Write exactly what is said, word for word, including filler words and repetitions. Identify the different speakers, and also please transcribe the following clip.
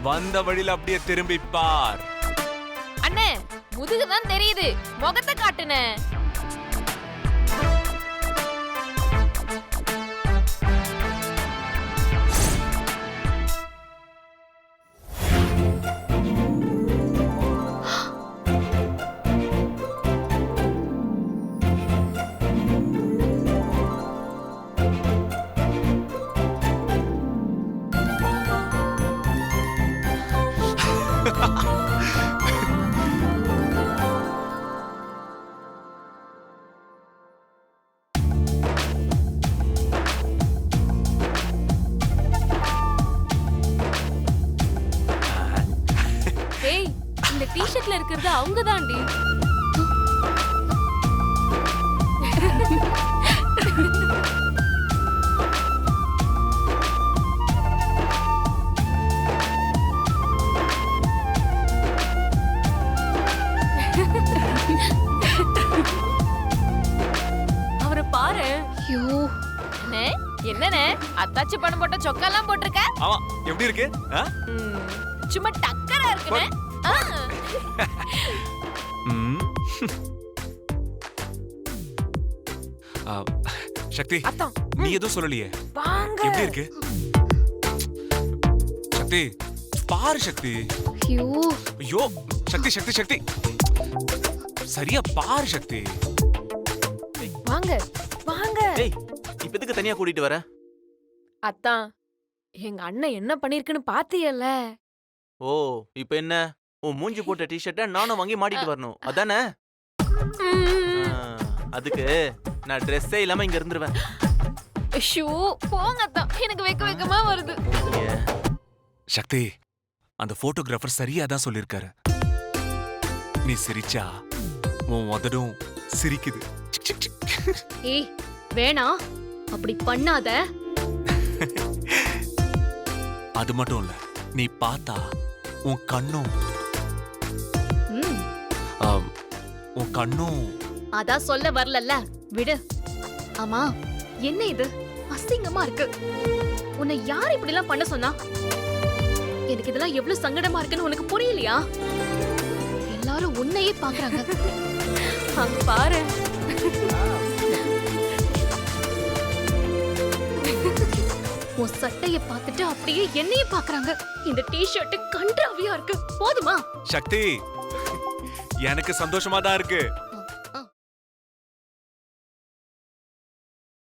Speaker 1: வந்த வழியில அப்படியே திரும்பி பார்.
Speaker 2: அண்ணே முதுகுதான் தெரியுது, முகத்தை காட்டுனே. ஏய், இந்த டி-ஷர்ட்ல இருக்கிறது அவங்க தான்டி. அவரை பாரு.
Speaker 3: ஐயோ,
Speaker 2: அண்ணே, என்னண்ணே அத்தாச்சி பணம் போட்ட சொக்கெல்லாம் போட்டிருக்க?
Speaker 1: ஆமா, எப்படி இருக்கு? ஆ?
Speaker 2: ம், சும்மா டக்கரா இருக்குண்ணே. ஆ.
Speaker 1: ம். ஆ, சக்தி,
Speaker 2: அத்தான்,
Speaker 1: நீ எதுவும் சொல்லலையே.
Speaker 2: வாங்க.
Speaker 1: எப்படி இருக்கு? சக்தி, பாரு சக்தி.
Speaker 3: ஐயோ,
Speaker 1: ஐயோ, சக்தி சக்தி சக்தி, சரியா பாரு சக்தி.
Speaker 2: வாங்க வாங்க.
Speaker 4: ஏய், இப்ப எதுக்கு தனியா கூட்டிட்டு வர?
Speaker 2: அத்தான், எங்க அண்ணன் என்ன பண்ணிருக்குன்னு பாத்தியல்ல?
Speaker 4: ஓ, இப்ப என்ன? உன் மூஞ்சி போட்ட டி-ஷர்ட்ட நானும் வாங்கி மாட்டிட்டு வரணும், அதானே? ஆ, அதுக்கு நான் ட்ரெஸ்ஸே இல்லாம இங்க இருந்துருவேன்.
Speaker 2: ஷூ, போங்க அத்தான், எனக்கு வெக்க வெக்கமா வருது.
Speaker 1: சக்தி, அந்த போட்டோகிராஃபர் சரியா தான் சொல்லிருக்காரு. நீ சிரிச்சா உன் உதடும் சிரிக்குது. சிக், சிக், சிக்.
Speaker 3: ஏய் வேணா, அப்படி பண்ணாத.
Speaker 1: அது மட்டும் இல்ல, நீ பார்த்தா உன் கண்ணும்
Speaker 3: ம்,
Speaker 1: ஆம், உன் கண்ணும்
Speaker 3: அதான் சொல்ல வரலல்ல, விடு. ஆமா, என்ன இது அசிங்கமா இருக்கு? உன்னை யார் இப்படி எல்லாம் பண்ண சொன்னா? எனக்கு இதெல்லாம் எவ்வளவு சங்கடமா இருக்குன்னு உனக்கு புரியலையா? எல்லாரும் உன்னையே பாக்குறாங்க.
Speaker 2: அங்க பாரு.
Speaker 3: உன் சட்டைய பார்த்துட்டு அப்படியே என்னையே பாக்குறாங்க. இந்த டி-ஷர்ட் கன்றாவியா இருக்கு. போதுமா?
Speaker 1: சக்தி, எனக்கு சந்தோஷமா தான் இருக்கு.